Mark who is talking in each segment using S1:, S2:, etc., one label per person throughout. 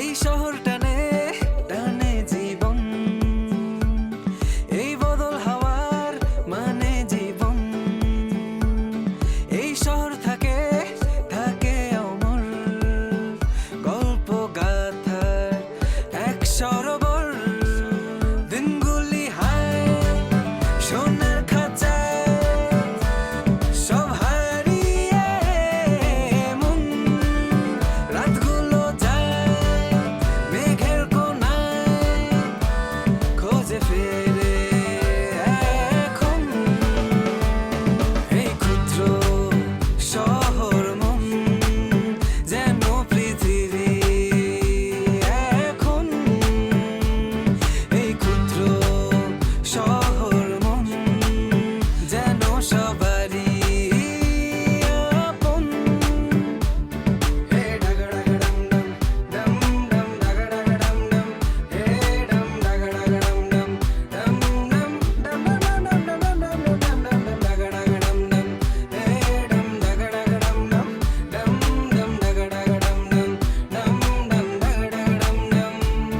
S1: শহর টানে টানে জীবন, এই বদল হাওয়ার মানে জীবন। এই শহর থাকে থাকে অমর, গল্প গাথার এক সরোবর। দিনগুলি হায় সোনার খাঁচায়, সব হারিয়ে মন। রাতগুলো যায় মেঘের কোনায়, খোঁজে ফেরে এখন। এই ক্ষুদ্র শহর মন যেন পৃথিবী এখন। এই ক্ষুদ্র শহর মন যেন সবারই আপন। হে ডাগা ডাগা ডম ডম, ডম ডম ডাগা ডাগা ডম ডম, হে ডম ডাগা ডাগা ডম ডম, ডম ডম ডম ডম ডম ডম ডম ডম ডম ডাগা ডাগা ডম ডম, হে ডম ডাগা ডাগা ডম ডম, ডম ডম ডাগা ডাগা ডম ডম, ডম ডম ডাগা ডাগা ডম ডম।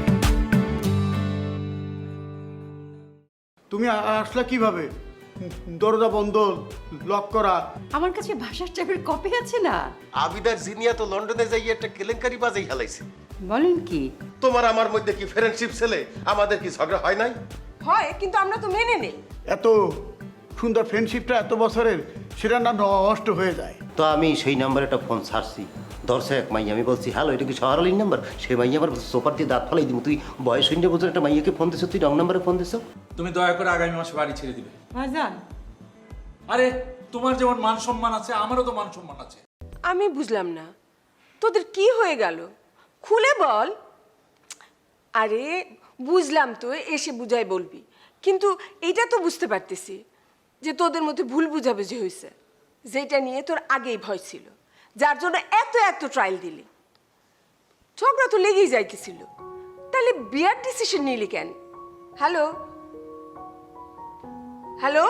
S2: তুমি আসলে কিভাবে? দরজা বন্ধ, লক করা।
S3: আমার কাছে ভাষার চাপের কপি আছে না।
S4: আবিদার জিনিয়া তো লন্ডনে যাই একটা কেলেঙ্কারি বাজাই হেলাইছে।
S3: বলেন কি?
S4: তোমার আমার মধ্যে কি ফ্রেন্ডশিপ ছেলে? আমাদের কি ঝগড়া হয় নাই?
S5: হয়, কিন্তু আমরা তো মেনে নেই।
S2: এত সুন্দর ফ্রেন্ডশিপটা এত বছরের, সেটা না নষ্ট হয়ে যায়।
S6: তো আমি সেই নাম্বারে একটা ফোন ছাড়ছি, ধরছে এক মাইয়া। আমি বলছি হ্যালো, এটা কি শহরালির নাম্বার? সেই মাইয়া আমার সোফার দিয়ে দাঁত ফালাই দিব। তুই বয়স হইনি বুঝে একটা মাইয়াকে ফোন দিছো, তুই রং নাম্বারে ফোন দিছো।
S7: তুমি দয়া করে আগামী মাসে বাড়ি ছেড়ে দিবে।
S3: ভাইজান,
S7: আরে তোমার যেমন মান সম্মান আছে, আমারও তো মান সম্মান আছে।
S5: আমি বুঝলাম না তোদের কি হয়ে গেল, খুলে বল। আরে বুঝলাম তো, এসে বুঝাই বলবি, কিন্তু এইটা তো বুঝতে পারতেছি যে তোদের মধ্যে ভুল বুঝাবুঝি হয়েছে, যেটা নিয়ে তোর আগেই ভয় ছিল, যার জন্য এত এত ট্রায়াল দিলি। ঝগড়া তো লেগেই যাইতেছিল, তাহলে বিয়ার ডিসিশন নিলি কেন? হ্যালো হ্যালো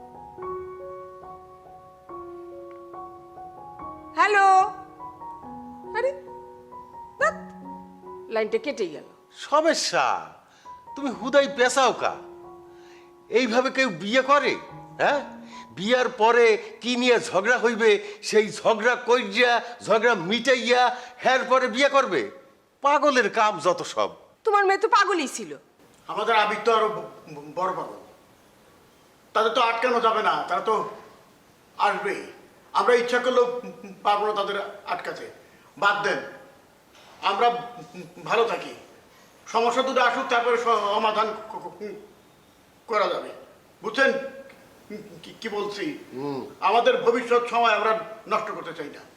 S5: হ্যালো, আরে ধ্যাৎ, লাইনটা কেটে গেল।
S4: সমস্যা তুমি হুদাই পেশাও কা? এইভাবে কেউ বিয়ে করে? হ্যাঁ, বিয়ার পরে কি নিয়ে ঝগড়া হইবে, সেই ঝগড়া কইরা ঝগড়া মিটাইয়া হ্যার পরে বিয়ে করবে? পাগলের কাম যত সব।
S5: তোমার মেয়ে তো পাগলই ছিল।
S2: আমাদের আবির তো আরো বড় পাগল। তাদের তো আটকানো যাবে না, তারা তো আসবেই। আমরা ইচ্ছা করলেও পারবো না তাদের আটকাতে। বাদ দেন, আমরা ভালো থাকি। সমস্যা দুটো আসুক, তারপরে সমাধান করা যাবে। বুঝছেন কি বলছি? আমাদের ভবিষ্যৎ সময় আমরা নষ্ট করতে চাই না।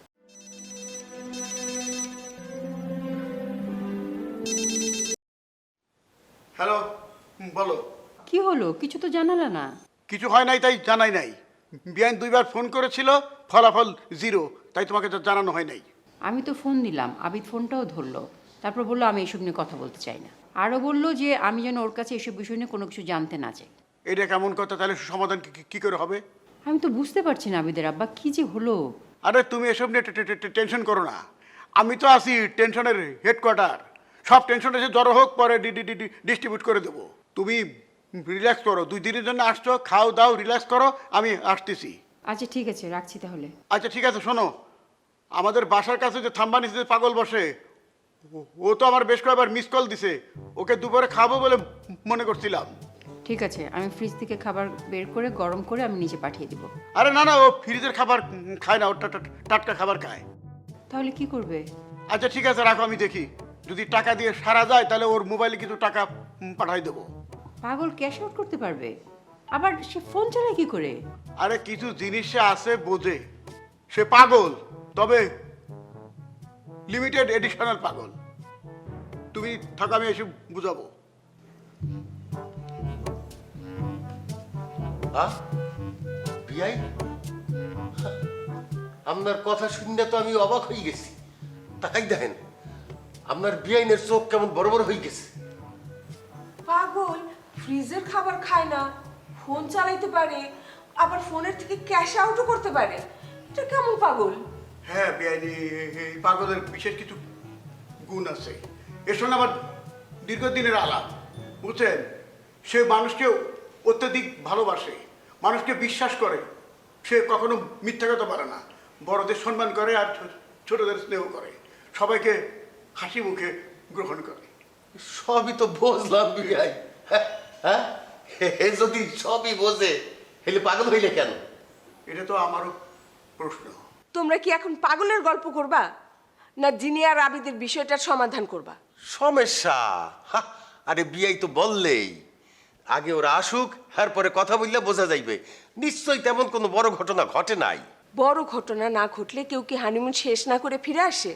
S2: হ্যালো, বলো।
S3: কি হলো? কিছু তো জানালা না।
S2: কিছু হয় নাই তাই জানাই নাই। বিয়ান দুইবার ফোন করেছিল, ফলাফল 0, তাই তোমাকে জানানো হয় নাই।
S3: আমি তো ফোন দিলাম, আবিদ ফোনটাও ধরলো, তারপর বললো আমি এসব নিয়ে কথা বলতে চাই না। আরও বললো যে আমি যেন ওর কাছে এসব বিষয় নিয়ে কোনো কিছু জানতে না চাই।
S2: এটা কেমন কথা? তাহলে সমাধান কি করে হবে?
S3: আমি তো বুঝতে পারছি না আবিদের আব্বা, কি যে হলো।
S2: আরে তুমি এসব নিয়ে টেনশন করো না। আমি তো আছি টেনশনের হেডকোয়ার্টার। সব টেনশন এসে জড়ো হোক, পরে ডিস্ট্রিবিউট করে দেবো। তুমি রিল্যাক্স করো, 2 দিনের জন্য আসছো, খাও দাও, রিল্যাক্স করো, আমি আসতেছি।
S3: আচ্ছা ঠিক আছে, রাখছি তাহলে।
S2: আচ্ছা ঠিক আছে, শোনো, আমাদের বাসার কাছে যে থাম্বানিতে পাগল বসে, ও তো আমার বেশ কয়েকবার মিস কল দিছে। ওকে দুপুরে খাবো বলে মনে করছিলাম।
S3: ঠিক আছে, আমি ফ্রিজ থেকে খাবার বের করে গরম করে আমি নিচে পাঠিয়ে দিব।
S2: আরে না না, ও ফ্রিজের খাবার খায় না, ও টাটকা খাবার খায়।
S3: তাহলে কি করবে?
S2: আচ্ছা ঠিক আছে, রাখো, আমি দেখি। যদি টাকা দিয়ে সারা যায় তাহলে ওর মোবাইলে কিছু টাকা পাঠাই দেবো।
S3: পাগল ক্যাশ আউট করতে পারবে? আবার সে ফোন চালায় কি করে?
S2: আরে কিছু জিনিস সে আছে বোঝে। সে পাগল, তবে লিমিটেড এডিশনাল পাগল। তুমি থাকো, আমি এসে বুঝাবো।
S4: বিয়াই, আপনার কথা শুনে তো আমি অবাক হয়ে গেছি। তাই দেখেন, আপনার বিয়াইনের চোখ কেমন বড় বড় হয়ে গেছে।
S5: পাগল ফ্রিজের খাবার খায় না, ফোন চালাইতে পারে, আবার ফোনের থেকে ক্যাশ আউটও করতে পারে। এটা কেমন পাগল?
S2: হ্যাঁ বেআইনি, এই পাগলের বিশেষ কিছু গুণ আছে। এর সঙ্গে আমার দীর্ঘদিনের আলাপ, বুঝছেন? সে মানুষকে অত্যধিক ভালোবাসে, মানুষকে বিশ্বাস করে, সে কখনো মিথ্যা কথা বলে না, বড়দের সম্মান করে আর ছোটদের স্নেহ করে, সবাইকে হাসি মুখে গ্রহণ করে।
S4: সবই তো বুঝলাম বিয়াই, হ্যাঁ? এ যদি সবই বোঝে হেলে পাগল হইলে কেন?
S2: এটা তো আমারও প্রশ্ন।
S5: তোমরা কি এখন পাগলের গল্প করবা, না জিনি আর আবিদের বিষয়টার সমাধান করবা?
S4: সমস্যা? হা, আরে বিয়াই তো বললেই, আগে ওরা আসুক, এরপরে কথা বললে বোঝা যাইবে। নিশ্চয়ই তেমন কোনো বড় ঘটনা ঘটে নাই।
S5: বড় ঘটনা না ঘটলে কেউ কি হানিমুন শেষ না করে ফিরে আসে?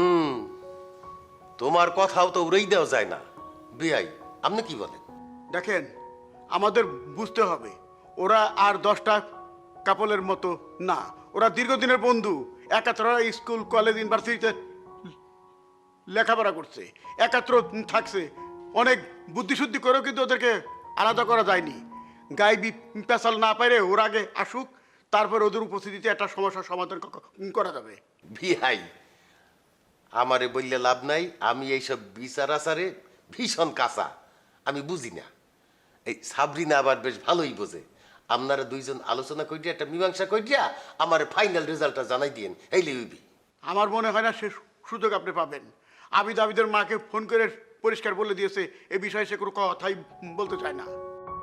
S4: তোমার কথাও তো উড়েই দেওয়া যায় না। বিয়াই, আপনি কি বলেন?
S2: দেখেন, আমাদের বুঝতে হবে ওরা আর 10টা কাপলের মতো না, ওরা দীর্ঘদিনের বন্ধু, একাত্র স্কুল কলেজ ইউনিভার্সিটিতে লেখাপড়া করছে, একাত্র থাকছে, অনেক বুদ্ধিশুদ্ধি করেও কিন্তু ওদেরকে আলাদা করা যায়নি। গায়ে পেশাল না পারে ওর আগে আসুক, তারপর ওদের উপস্থিতিতে একটা সমস্যার সমাধান করা যাবে।
S4: বিয়াই, আমারে বললে লাভ নাই, আমি এইসব বিচার আচারে ভীষণ কাঁচা, আমি বুঝি না। এই সাবরিনা আবার বেশ ভালোই বোঝে। আপনারা দুইজন আলোচনা করিয়া একটা মীমাংসা করিয়া আমার ফাইনাল রেজাল্টটা জানাই দিন, এই লিবি।
S2: আমার মনে হয় না সে সুযোগ আপনি পাবেন। আবিদের মাকে ফোন করে পরিষ্কার বলে দিয়েছে এ বিষয়ে সে কোনো কথাই বলতে চায় না।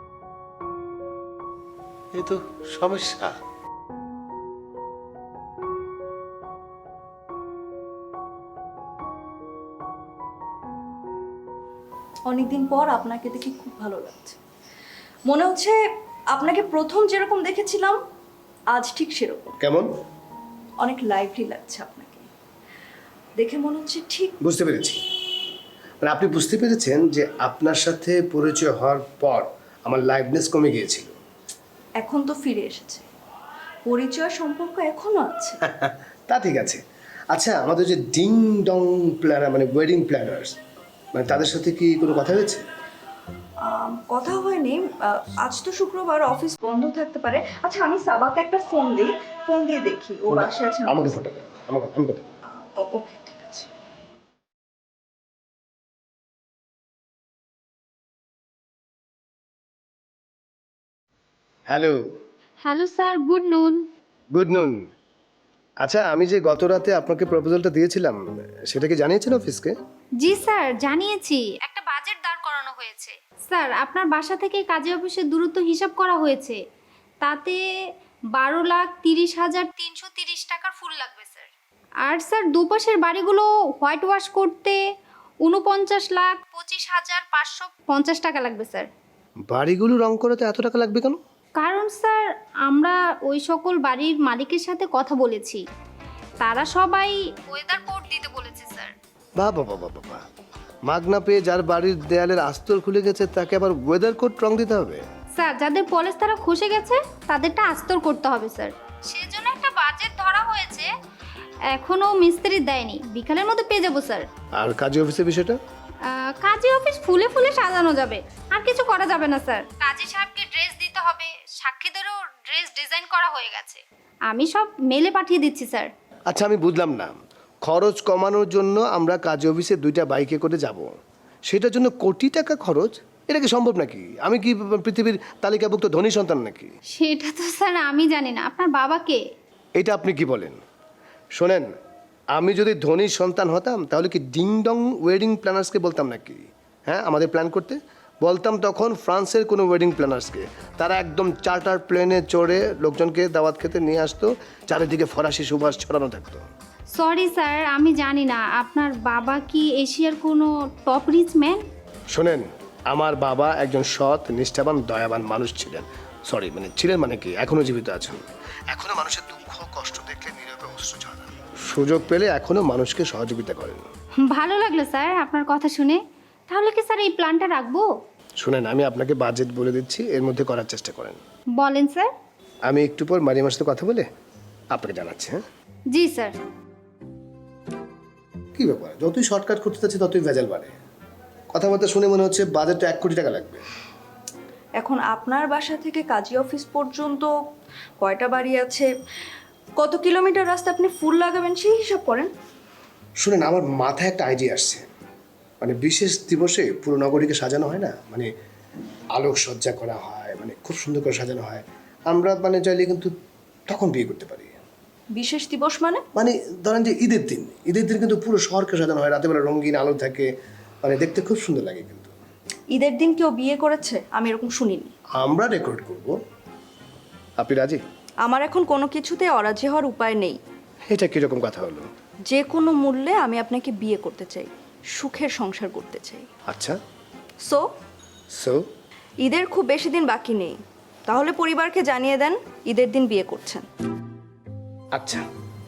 S4: এ তো সমস্যা।
S8: অনেকদিন পর আপনাকে দেখে খুব ভালো লাগছে। মনে হচ্ছে আপনাকে প্রথম যেরকম দেখেছিলাম আজ ঠিক সেরকম।
S9: কেমন?
S8: অনেক লাইভলি লাগছে আপনাকে দেখে, মনে হচ্ছে ঠিক।
S9: বুঝতে পেরেছি, মানে আপনি বুঝতে পেরেছেন যে আপনার সাথে পরিচয় হওয়ার পর আমার লাইভনেস কমে গিয়েছিল।
S8: এখন তো ফিরে এসেছে, পরিচয় সম্পর্ক এখনো আছে।
S9: তা ঠিক আছে। আচ্ছা, আমাদের যে ডিং ডং প্ল্যানার মানে ওয়েডিং প্ল্যানার্স, মানে তাদের সাথে কি কোনো কথা হয়েছে?
S8: কথা হয়নি, আজ তো শুক্রবার, অফিস বন্ধ থাকতে পারে। আচ্ছা, আমি সাবাকে একটা ফোন দিই, ফোন দিয়ে দেখি ও বাসায় আছে।
S9: আমাকে ফোনটা দেন, আমাকে ফোন করতে।
S8: ওকে, ঠিক আছে।
S9: Hello.
S10: Hello sir, good noon.
S9: Good noon. আচ্ছা, আমি যে গত রাতে আপনাকে প্রপোজালটা দিয়েছিলাম সেটা কি জানিয়েছেন অফিসকে?
S10: জি স্যার, জানিয়েছি। একটা বাজেট দাঁড় করানো হয়েছে স্যার। আপনার বাসা থেকে কাজী অফিসের দূরত্ব হিসাব করা হয়েছে, তাতে 12,30,330 টাকার ফুল লাগবে স্যার। আর স্যার দুপাশের বাড়িগুলো হোয়াইট ওয়াশ করতে 49,25,550 টাকা লাগবে স্যার।
S9: বাড়িগুলো রং করাতে এত টাকা লাগবে কেন?
S10: কারণ স্যার আমরা ওই সকল বাড়ির মালিকের সাথে কথা বলেছি, তারা সবাই ওয়েদার কোড দিতে বলেছে স্যার।
S9: বাবা বাবা বাবা, মাগনা পেয়ে যার বাড়ির দেয়ালের আস্তর খুলে গেছে তাকে আবার ওয়েদার কোড রং দিতে হবে?
S10: স্যার যাদের পলেস্তারা খসে গেছে তাদেরটা আস্তর করতে হবে স্যার, সেজন্য একটা বাজেট ধরা হয়েছে। এখনো মিস্ত্রি দেয়নি, বিকালের মধ্যে পেয়ে যাবো স্যার।
S9: আর কাজী অফিসের বিষয়টা?
S10: কাজী অফিস ফুলে ফুলে সাজানো যাবে, আর কিছু করা যাবে না স্যার। কাজী সাহেবকে ড্রেস দিতে হবে, সাক্ষীদেরও ড্রেস ডিজাইন করা হয়ে গেছে, আমি সব মেলে পাঠিয়ে দিচ্ছি স্যার।
S9: আচ্ছা, আমি বুঝলাম না, খরচ কমানোর জন্য আমরা কাজী অফিসে 2টা বাইকে করে যাব, সেটার জন্য কোটি টাকা খরচ? এটা কি সম্ভব নাকি? আমি কি পৃথিবীর তালিকাভুক্ত ধনী সন্তান নাকি?
S10: সেটা তো স্যার আমি জানি না, আপনার বাবাকে।
S9: এটা আপনি কি বলেন? শোনেন, আমি যদি ধনী সন্তান হতাম তাহলে কি ডিং ডং ওয়েডিং প্ল্যানার্সকে বলতাম নাকি? হ্যাঁ, আমাদের প্ল্যান করতে বলতাম তখন ফ্রান্সের কোনো ওয়েডিং প্ল্যানার্সকে। তারা একদম চার্টার প্লেনে চড়ে লোকজনকে দাওয়াত খেতে নিয়ে আসতো, চারিদিকে ফরাসি সুবাস ছড়ানো থাকতো।
S10: সরি স্যার, আমি জানি না আপনার বাবা কি এশিয়ার কোনো টপ রিচ ম্যান।
S9: শোনেন, আমার বাবা একজন সৎ, নিষ্ঠাবান, দয়াবান মানুষ ছিলেন। সরি, মানে ছিলেন মানে কি, এখনো জীবিত আছেন। এখনো মানুষের দুঃখ কষ্ট দেখলে নীরবে অশ্রু ঝরান, সুযোগ পেলে এখনো মানুষকে সহযোগিতা করেন।
S10: ভালো লাগলো স্যার আপনার কথা শুনে। তাহলে কি স্যার এই প্ল্যানটা রাখবো?
S9: শুনেন, আমি আপনাকে বাজেট বলে দিচ্ছি, এর মধ্যে করার চেষ্টা করেন।
S10: বলেন স্যার।
S9: আমি একটু পর মারিয়ামার সাথে কথা বলে আপনাকে জানাচ্ছি। হ্যাঁ
S10: জি স্যার।
S9: কি ব্যাপার, যতই শর্টকাট করতে যাচ্ছি ততই ভেজাল বাড়ে। কথাবার্তা শুনে মনে হচ্ছে বাজেটটা 1 কোটি টাকা লাগবে।
S8: এখন আপনার বাসা থেকে কাজী অফিস পর্যন্ত কয়টা বাড়ি আছে, কত কিলোমিটার রাস্তা আপনি ফুল লাগাবেন সেই হিসাব করেন।
S9: শুনেন, আমার মাথায় একটা আইডিয়া আসছে। মানে বিশেষ দিবসে পুরো নগরীকে সাজানো হয় না, মানে আলোকসজ্জা করা হয়, মানে খুব সুন্দর করে সাজানো হয়। আমরা মানে চাইলে কিন্তু তখন বিয়ে করতে পারি।
S8: বিশেষ দিবস মানে?
S9: মানে ধরেন যে ঈদের দিন কিন্তু পুরো শহরকে সাজানো হয়, রাতের বেলা রঙিন আলো থাকে, মানে দেখতে খুব সুন্দর লাগে। কিন্তু
S8: ঈদের দিন কেউ বিয়ে করেছে আমি এরকম শুনিনি।
S9: আমরা রেকর্ড করব। আপনি রাজি?
S8: আমার এখন কোনো কিছুতে অরাজি হওয়ার উপায় নেই।
S9: এটা কিরকম কথা হলো?
S8: যে কোনো মূল্যে আমি আপনাকে বিয়ে করতে চাই, সুখের সংসার করতে চাই।
S9: আচ্ছা,
S8: সো
S9: সো
S8: ঈদের খুব বেশি দিন বাকি নেই, তাহলে পরিবারকে জানিয়ে দেন ঈদের দিন বিয়ে করছেন।
S9: আচ্ছা।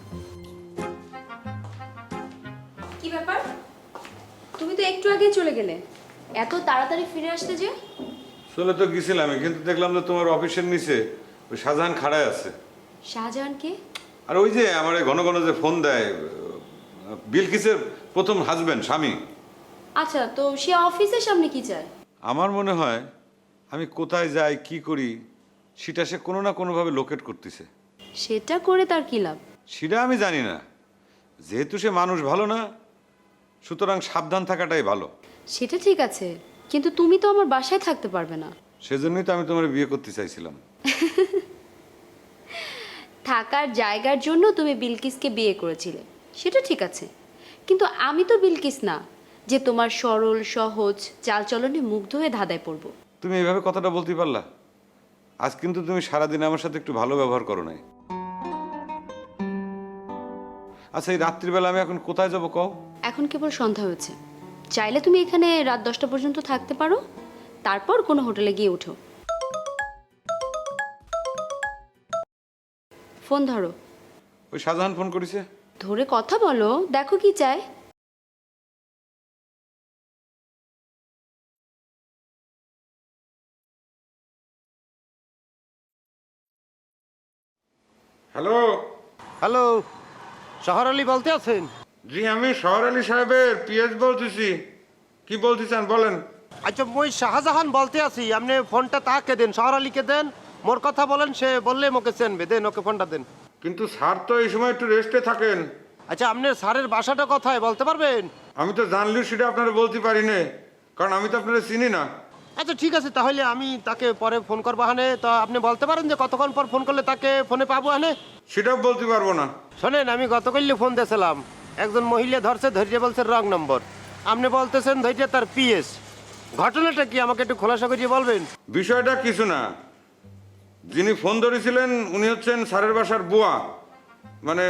S10: কি ব্যাপার, তুমি তো একটু আগে চলে গেলে, এত তাড়াতাড়ি ফিরে আসতে যে?
S11: চলে তো গেছিলাম, কিন্তু দেখলাম যে তোমার অফিসের নিচে ওই শাহজাহান খাড়ায় আছে।
S10: শাহজাহান কে?
S11: আর ওই যে আমার ঘন ঘন যে ফোন দেয়, বিলকিসের প্রথম হাজবেন্ড, স্বামী।
S10: আচ্ছা, তো সে অফিসের সামনে কি চায়?
S11: আমার মনে হয় আমি কোথায় যাই কি করি সেটা সে কোনো না কোনোভাবে লোকেট করতেছে।
S10: সেটা করে তার কি লাভ?
S11: সেটা আমি জানি না, যেহেতু সে মানুষ ভালো না, সুতরাং সাবধান থাকাটাই ভালো।
S10: সেটা ঠিক আছে, কিন্তু তুমি তো আমার বাসায় থাকতে পারবে না।
S11: সেজন্যই তো আমি তোমার বিয়ে করতে চাইছিলাম।
S10: থাকার জায়গার জন্য তুমি বিলকিসকে বিয়ে করেছিলে, সেটা ঠিক আছে, কিন্তু আমি তো বিলকিস না যে তোমার সরল সহজ চালচলনে মুগ্ধ হয়ে ধাঁধায় পড়বো।
S11: তুমি এইভাবে কথাটা বলতে পারলা? আজ কিন্তু তুমি সারাদিন আমার সাথে একটু ভালো ব্যবহার করো নাই। আচ্ছা, এই রাত্রিবেলা আমি এখন কোথায় যাব কও?
S10: এখন কেবল সন্ধ্যা হয়েছে, চাইলে তুমি এখানে রাত 10টা পর্যন্ত থাকতে পারো, তারপর কোনো হোটেলে গিয়ে ওঠো। ফোন ধরো।
S11: ওই শাহজাহান ফোন করেছে।
S10: ধরে কথা বলো, দেখো কি চায়।
S11: হ্যালো।
S6: হ্যালো, শহর আলী বলতে আছেন?
S11: জি, আমি শহর আলী সাহেবের পিএস বলতেছি। কি বলতে চান বলেন।
S6: আচ্ছা, মই শাহজাহান বলতে আছি, আপনি ফোনটা তাকে দেন, শহর আলীকে দেন, মোর কথা বলেন, সে বললে মোকে চেনবে। দেন, ওকে ফোনটা দেন।
S11: কিন্তু স্যার তো এই সময় একটু রেস্টে থাকেন।
S6: আচ্ছা, আপনার স্যারের বাসাটা কোথায় বলতে পারবেন?
S11: আমি তো জানলেও সেটা আপনারা বলতে পারি না, কারণ আমি তো আপনারা চিনি না।
S6: আচ্ছা ঠিক আছে, তাহলে আমি তাকে পরে ফোন করবো হানে। তো আপনি বলতে পারেন যে কতক্ষণ পর ফোন করলে তাকে ফোনে পাবো হানে?
S11: সেটাও বলতে পারবো না।
S6: শোনেন, আমি গতকালই ফোন দিয়েছিলাম, একজন মহিলা ধরছে, ধৈর্য বলছে রং নম্বর, আপনি বলতেছেন ধৈর্য তার পিএস। ঘটনাটা কি আমাকে একটু খোলাসা করিয়ে বলবেন?
S11: বিষয়টা কিছু না, যিনি ফোন ধরেছিলেন উনি হচ্ছেন স্যারের বাসার বুয়া। মানে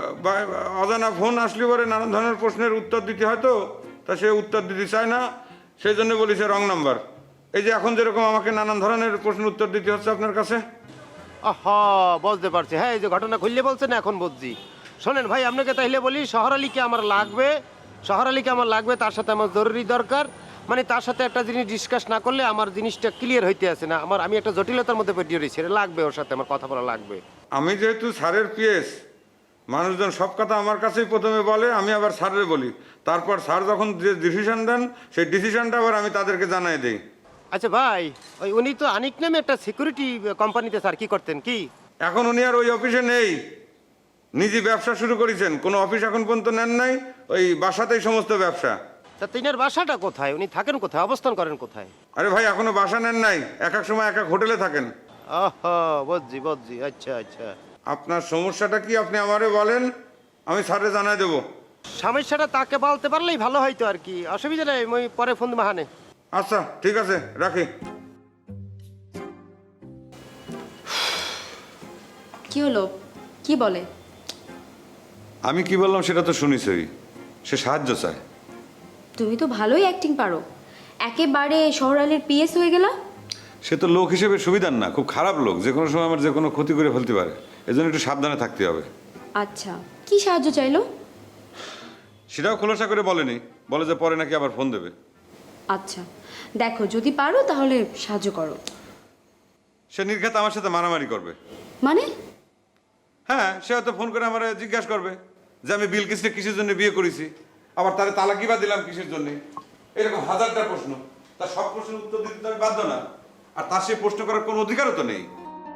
S11: অজানা ফোন আসলে পরে নানান ধরনের প্রশ্নের উত্তর দিতে হয়, তো তা সে উত্তর দিতে চায় না, সেই জন্য বলেছে রং নাম্বার। এই যে এখন যেরকম আমাকে নানান ধরনের প্রশ্নের উত্তর দিতে হচ্ছে আপনার কাছে।
S6: আহা, বুঝতে পারছি। হ্যাঁ, এই যে ঘটনা খুললে বলছেন, এখন বুঝছি। শোনেন ভাই, আপনাকে তাইলে বলি, শহর আলীকে আমার লাগবে, শহর আলীকে আমার লাগবে, তার সাথে আমার জরুরি দরকার। মানে তার সাথে একটা জিনিস ডিসকাস না করলে আমার জিনিসটা ক্লিয়ার হইতে আসে না। আমি একটা জটিলতার মধ্যে পেটিয়ে রয়েছি, লাগবে, ওর সাথে আমার কথা বলা লাগবে।
S11: আমি যেহেতু স্যারের পিএস, মানুষজন সব কথা আমার কাছেই প্রথমে বলে, আমি আবার স্যারের বলি, তারপর স্যার যখন যে ডিসিশন দেন সেই ডিসিশনটা আবার আমি তাদেরকে জানাই দিই।
S6: আচ্ছা ভাই, ওই উনি তো আনিক নামে একটা সিকিউরিটি কোম্পানিতে স্যার কি করতেন কি?
S11: এখন উনি আর ওই অফিসে নেই, নিজে ব্যবসা শুরু করেছেন। কোনো অফিস এখন পর্যন্ত নেন নাই, ওই বাসাতেই সমস্ত ব্যবসা।
S6: তা তিনার বাসাটা কোথায়, উনি থাকেন কোথায়, অবস্থান করেন কোথায়?
S11: আরে ভাই, এখনো বাসা নেন নাই, এক এক সময় এক এক হোটেলে থাকেন।
S6: আহা, বুঝছি বুঝছি, আচ্ছা আচ্ছা।
S11: আপনার সমস্যাটা কি আপনি আমারে বলেন, আমি স্যারে জানাই দেবো।
S6: সমস্যাটা তাকে বলতে পারলেই ভালো হয়তো আর কি, অসুবিধা নেই, আমি পরে ফোন দেবো হানে।
S11: আচ্ছা ঠিক আছে, রাখি।
S10: কি হলো, কি বলে?
S11: আমি কি বললাম সেটা তো শুনিসই, সে সাহায্য চায়।
S10: তুমি তো ভালোই অ্যাক্টিং পারো, একেবারে শহর আলীর পিএস হয়ে গেলা।
S11: সে তো লোক হিসেবে সুবিধার না, খুব খারাপ লোক, যে কোনো সময় আমার যে কোনো ক্ষতি করে ফেলতে পারে, এজন্য একটু সাবধানে থাকতে হবে।
S10: আচ্ছা, কি সাহায্য চাইলো?
S11: সেটাও খোলাসা করে বলেনি, বলে যে পরে নাকি আবার ফোন দেবে।
S10: আচ্ছা দেখো, যদি পারো তাহলে সাহায্য করো।
S11: সে নির্ঘাত আমার সাথে মারামারি করবে।
S10: মানে?
S11: হ্যাঁ, সে হয়তো ফোন করে আমার জিজ্ঞাসা করবে যে আমি বিলকিসকে কিসের জন্য বিয়ে করেছি, আবার তারে তালাকি বা দিলাম কিসের জন্য, এরকম হাজারটা প্রশ্ন। তার সব প্রশ্নের উত্তর দিতে তো আমি বাধ্য না, আর তার সেই প্রশ্ন করার কোনো অধিকারও তো নেই।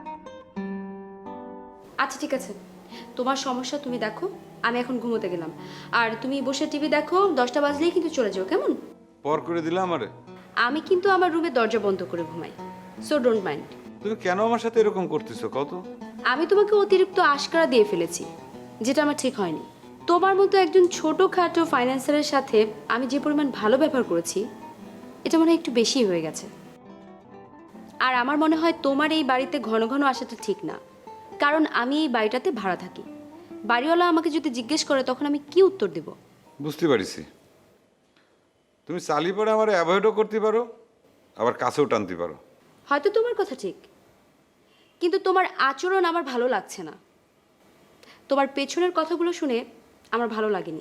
S10: আচ্ছা ঠিক আছে, তোমার সমস্যা তুমি দেখো, আমি এখন ঘুমোতে গেলাম। আর তুমি বসে টিভি দেখো, 10টা বাজলেই কিন্তু চলে যাও, কেমন?
S11: পর করে দিলাম আরে।
S12: আমি কিন্তু আমার রুমে দরজা বন্ধ করে ঘুমাই, সো ডোন্ট মাইন্ড।
S11: তুমি কেন আমার সাথে এরকম করতেছো কত?
S12: আমি তোমাকে অতিরিক্ত আশকারা দিয়ে ফেলেছি, যেটা আমার ঠিক হয়নি। তোমার মতো একজন ছোটোখাটো ফাইন্যান্সারের সাথে আমি যে পরিমাণ ভালো ব্যবহার করেছি, এটা মনে হয় একটু বেশি হয়ে গেছে। আর আমার মনে হয় তোমার এই বাড়িতে ঘন ঘন আসাটা ঠিক না, কারণ আমি এই বাড়িটাতে ভাড়া থাকি। বাড়িওয়ালা আমাকে যদি জিজ্ঞেস করে তখন আমি কি উত্তর দেব?
S11: বুঝতে পারিছি, তুমি চালি পরে আমার অ্যাভয়েডও করতে পারো, আবার কাছেও টানতে পারো।
S12: হয়তো তোমার কথা ঠিক, কিন্তু তোমার আচরণ আমার ভালো লাগছে না। তোমার পেছনের কথাগুলো শুনে আমার ভালো লাগেনি।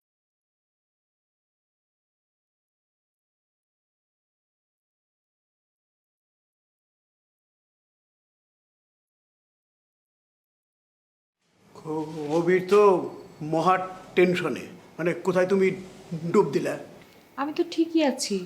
S2: কবির তো মহা টেনশনে, মানে কোথায় তুমি ডুব দিলে?
S5: আমি তো ঠিকই আছি।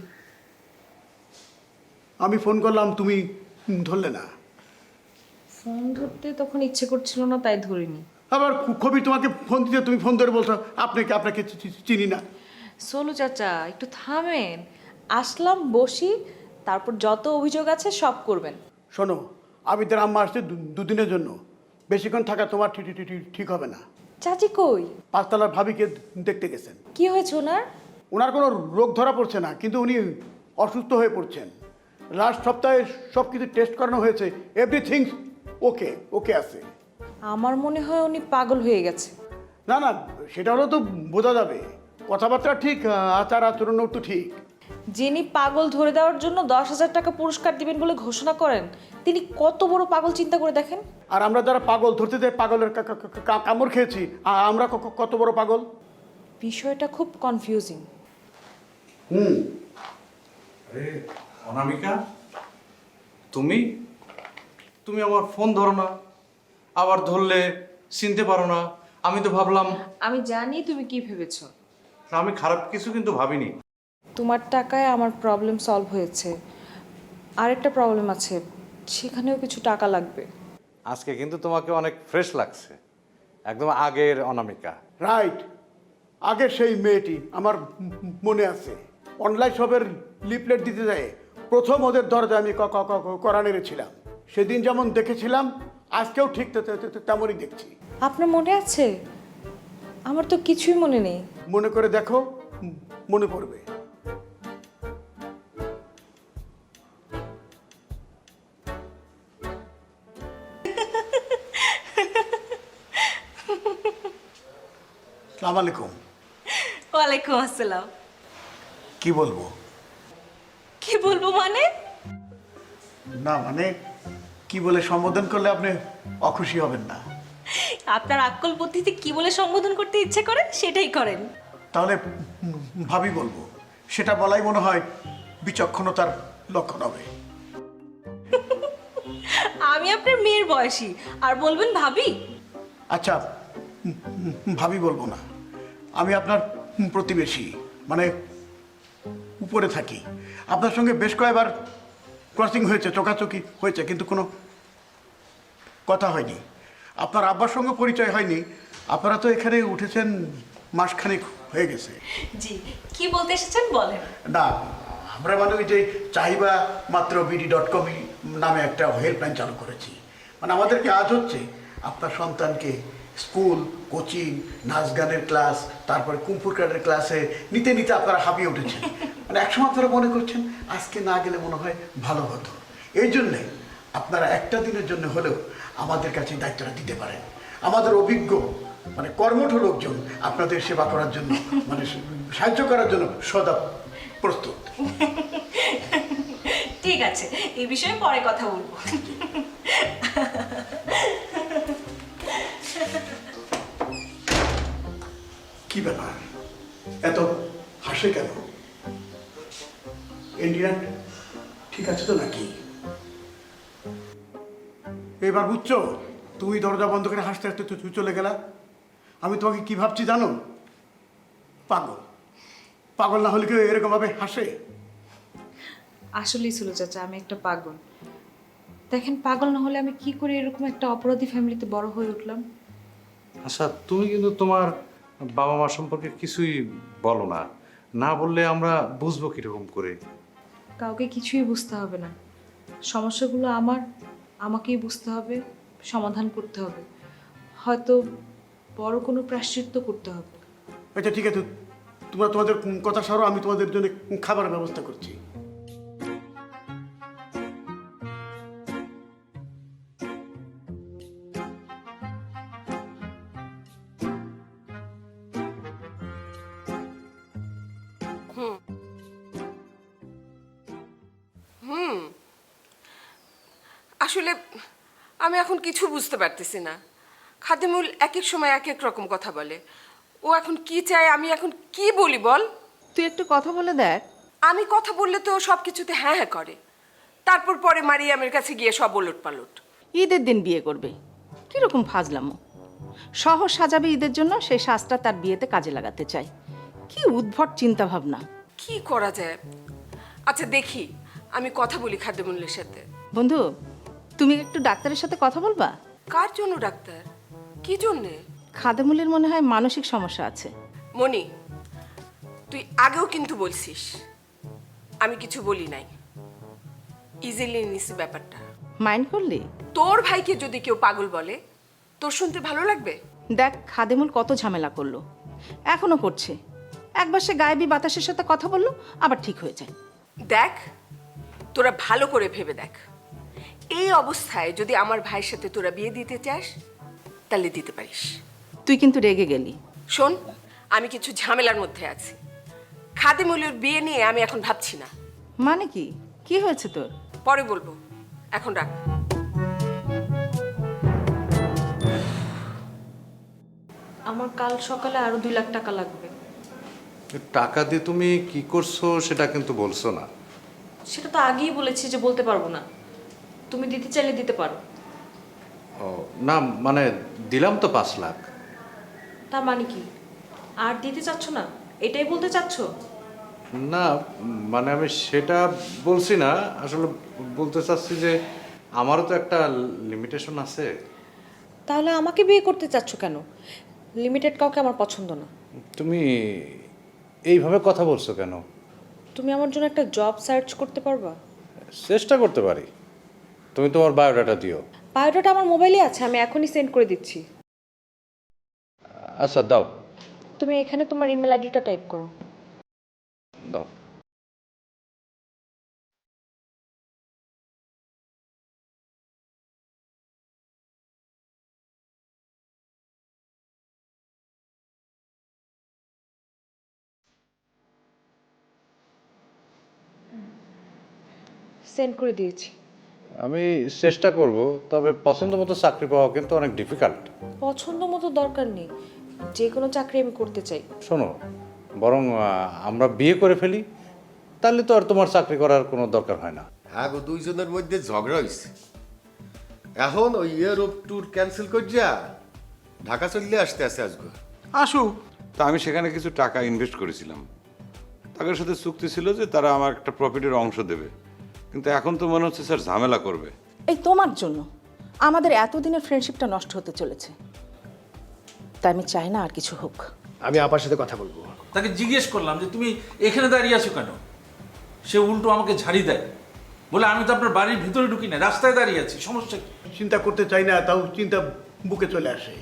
S2: আমি ফোন করলাম, তুমি ধরলে না।
S5: ফোন ধরতে তখন ইচ্ছে করছিল না, তাই ধরিনি।
S2: আবার কবির তোমাকে ফোন দিতে তুমি ফোন ধরে বলছো আপনাকে চিনি না।
S13: সোনু চাচা একটু থামেন, আসলাম বসি, তারপর যত অভিযোগ আছে সব করবেন।
S2: শোনো, আবিদের আম্মা আসছে দুদিনের জন্য, বেশিক্ষণ থাকা তোমার ঠিক হবে না।
S13: চাচি কই?
S2: পাঁচতলার ভাবিকে দেখতে গেছেন।
S13: কি হয়েছে ওনার?
S2: ওনার কোনো রোগ ধরা পড়ছে না, কিন্তু উনি অসুস্থ হয়ে পড়ছেন। লাস্ট সপ্তাহে সব কিছু টেস্ট করানো হয়েছে, এভরিথিং ওকে আছে।
S13: আমার মনে হয় উনি পাগল হয়ে গেছে।
S2: না না, সেটা হলো তো বোঝা যাবে, কথাবার্তা ঠিক, আচার আচরণও তো ঠিক।
S13: যিনি পাগল ধরে দেওয়ার জন্য 10,000 টাকা পুরস্কার দিবেন বলে ঘোষণা করেন, তিনি কত বড় পাগল চিন্তা করে দেখেন।
S2: আর আমরা যারা পাগল ধরতে যাই, পাগলের কামড় খেয়েছি, আমরা কত বড় পাগল।
S13: বিষয়টা খুব কনফিউজিং।
S1: আরে অনামিকা, তুমি তুমি আমার ফোন ধরো না, আবার ধরলে চিনতে পারো না। আমি তো ভাবলাম,
S13: আমি জানি তুমি কি ভেবেছো।
S1: আমি খারাপ কিছু কিন্তু ভাবিনি।
S13: তোমার টাকায় আমার প্রবলেম সলভ হয়েছে, আরেকটা প্রবলেম আছে, সেখানেও কিছু টাকা লাগবে।
S1: আজকে কিন্তু তোমাকে অনেক ফ্রেশ লাগছে, একদম আগের অনামিকা।
S2: রাইট, আগের সেই মেয়েটি আমার মনে আছে। অনলাইন শপের লিফলেট দিতে যায় প্রথম ওদের দরজা আমি করা নেড়েছিলাম। সেদিন যেমন দেখেছিলাম, আজকেও ঠিক তেমনই দেখছি।
S13: আপনার মনে আছে? আমার তো কিছুই মনে নেই।
S2: মনে করে দেখো, মনে পড়বে। আসসালামু আলাইকুম।
S13: ওয়ালাইকুম আসসালাম।
S2: কি বলবো?
S13: কি বলবো মানে?
S2: না মানে কি বলে সম্বোধন করলে আপনি অখুশি হবেন না।
S13: আপনার আক্কল বুদ্ধিতে কি বলে সম্বোধন করতে ইচ্ছে করে সেটাই করেন।
S2: তাহলে ভাবি বলবো, সেটা বলাই মনে হয় বিচক্ষণতার লক্ষণ হবে।
S13: আমি আপনার মেয়ের বয়সী, আর বলবেন ভাবি?
S2: আচ্ছা, ভাবি বলবো না, আমি আপনার প্রতিবেশী, মানে উপরে থাকি। আপনার সঙ্গে বেশ কয়েকবার ক্রসিং হয়েছে, চোখাচোখি হয়েছে, কিন্তু কোনো কথা হয়নি। আপনার আব্বার সঙ্গে পরিচয় হয়নি। আপনারা তো এখানে উঠেছেন মাসখানেক হয়ে গেছে।
S13: জি, কি বলতে এসেছেন বলেন।
S2: না, আমরা মানে ওই যে চাহিবা মাত্র BD.com নামে একটা হেল্পলাইন চালু করেছি। মানে আমাদের কাজ হচ্ছে আপনার সন্তানকে স্কুল, কোচিং, নাচ গানের ক্লাস, তারপরে কুম্ফু ক্যাডের ক্লাসে নিতে নিতে আপনারা হাঁপিয়ে উঠেছেন। মানে একসময় আপনারা মনে করছেন আজকে না গেলে মনে হয় ভালো হতো। এই জন্যে আপনারা একটা দিনের জন্য হলেও আমাদের কাছে দায়িত্বটা দিতে পারেন। আমাদের অভিজ্ঞ মানে কর্মঠ লোকজন আপনাদের সেবা করার জন্য, মানে সাহায্য করার জন্য সদা প্রস্তুত।
S13: ঠিক আছে, এই বিষয়ে পরে কথা বলবো।
S2: কি ব্যাপার, এত হাসে কেন? ইন্ডিয়ান ঠিক আছে তো নাকি? এবার বুঝছো, তুমি দরজা বন্ধ করে হাসতে হাসতে তুই চলে গেলা। আমি তোমাকে কি ভাবছি জানো? পাগল। পাগল না হলে কেউ এরকমভাবে হাসে?
S13: আসলেই ছিল চাচা, আমি একটা পাগল। দেখেন, পাগল না হলে আমি কি করে এরকম একটা অপরাধী ফ্যামিলিতে বড় হয়ে উঠলাম।
S1: আচ্ছা, তুমি কিন্তু তোমার বাবা মা সম্পর্কে কিছুই বলো না।
S14: না বললে আমরা বুঝবো কিরকম করে?
S13: কাউকে কিছুই বুঝতে হবে না, সমস্যাগুলো আমাকেই বুঝতে হবে, সমাধান করতে হবে, হয়তো বড় কোনো প্রায়শ্চিত্ত করতে হবে।
S2: আচ্ছা ঠিক আছে, তোমরা তোমাদের কথা সারো, আমি তোমাদের জন্য খাবারের ব্যবস্থা করছি।
S5: আসলে আমি এখন কিছু বুঝতে পারতেছি না। খাদিমুল এক এক সময় এক এক রকম কথা বলে। ও এখন কি চায়, আমি এখন কি বলি বল?
S8: তুই একটু কথা বলে দেখ।
S5: আমি কথা বললে তো সব কিছুতে হ্যাঁ হ্যাঁ করে, তারপর পরে মারিয়ামের কাছে গিয়ে সব ওলট পালট।
S8: ঈদের দিন বিয়ে করবে, কিরকম ফাজলামো। শহর সাজাবে ঈদের জন্য, সেই সাজটা তার বিয়েতে কাজে লাগাতে চাই। কি উদ্ভট চিন্তা ভাবনা।
S5: কি করা যায়? আচ্ছা দেখি, আমি কথা বলি খাদিমুলের সাথে।
S8: বন্ধু, তুমি একটু ডাক্তারের সাথে কথা বলবা?
S5: কার জন্য ডাক্তার? কি জন্যে?
S8: খাদেমুলের মনে হয় মানসিক সমস্যা আছে।
S5: মনি, তুই আগেও কিন্তু বলছিস, আমি কিছু বলি নাই, ইজিলি নিছি ব্যাপারটা।
S8: মাইন্ড করলি?
S5: তোর ভাইকে যদি কেউ পাগল বলে, তোর শুনতে ভালো লাগবে?
S8: দেখ খাদেমুল কত ঝামেলা করলো, এখনো করছে। একবার সে গায়েবী বাতাসের সাথে কথা বললো, আবার ঠিক হয়ে যায়।
S5: দেখ, তোরা ভালো করে ভেবে দেখ, এই অবস্থায় যদি আমার ভাইয়ের সাথে তোরা বিয়ে দিতে চাস, তাহলে দিতে পারিস।
S8: তুই কিন্তু রেগে গেলি।
S5: শোন, আমি কিছু ঝামেলার মধ্যে আছি। খাদিমুলের বিয়ে নিয়ে আমি এখন ভাবছি না।
S8: মানে কি? কি হয়েছে তোর?
S5: পরে বলবো, এখন রাখ।
S13: আমার কাল সকালে আরো 2 লাখ টাকা লাগবে।
S14: টাকা দিয়ে তুমি কি করছো সেটা কিন্তু বলছো না।
S13: সেটা তো আগেই বলেছি যে বলতে পারবো না। তুমি দিতে চাইলে দিতে পারো।
S14: ও না, মানে দিলাম তো 5 লাখ।
S13: তার মানে কি? আর দিতে চাচ্ছ না, এটাই বলতে চাচ্ছ?
S14: না, মানে আমি সেটা বলছি না, আসলে বলতে চাচ্ছি যে আমারও তো একটা লিমিটেশন আছে।
S13: তাহলে আমাকে বিয়ে করতে চাচ্ছ কেন? লিমিটেড কাউকে আমার পছন্দ না।
S14: তুমি এইভাবে কথা বলছো কেন?
S13: তুমি আমার জন্য একটা জব সার্চ করতে পারবা?
S14: চেষ্টা করতে পারি। তুমি তোমার বায়োডাটা দিও।
S13: বায়োডাটা আমার মোবাইলে আছে, আমি এখনই সেন্ড করে দিচ্ছি।
S14: আচ্ছা দাও।
S13: তুমি এখানে তোমার ইমেল আইডিটা টাইপ করো।
S14: দাও।
S13: সেন্ড করে দিয়েছি।
S14: আমি চেষ্টা করব, তবে পছন্দ মতো চাকরি পাওয়া কিন্তু অনেক ডিফিকাল্ট।
S13: পছন্দ মতো দরকার নেই, যে কোনো চাকরি আমি করতে চাই।
S14: শোনো, বরং আমরা বিয়ে করে ফেলি, তাহলে তো আর তোমার চাকরি করার কোনো দরকার হয় না।
S4: হ্যাঁ গো, দুইজনের মধ্যে ঝগড়া হয়েছে। এখন ওই ইউরোপ ট্যুর ক্যান্সেল করিয়া ঢাকা চলে আসতে আছে আজকে।
S2: আসু,
S11: তা আমি সেখানে কিছু টাকা ইনভেস্ট করেছিলাম, তাদের সাথে চুক্তি ছিল যে তারা আমার একটা প্রফিটের অংশ দেবে, কিন্তু এখন তো মনে হচ্ছে স্যার ঝামেলা করবে।
S8: এই তোমার জন্য আমাদের এতদিনের ফ্রেন্ডশিপটা নষ্ট হতে চলেছে, তাই আমি চাই না আর কিছু হোক।
S9: আমি আপার সাথে কথা বলবো।
S7: তাকে জিজ্ঞেস করলাম যে তুমি এখানে দাঁড়িয়ে আছো কেন? সে উল্টো আমাকে ঝাড়ি দেয়, বলে আমি তো আপনার বাড়ির ভিতরে ঢুকি না, রাস্তায় দাঁড়িয়ে আছি, সমস্যা কি?
S2: চিন্তা করতে চাই না, তাও চিন্তা বুকে চলে আসে।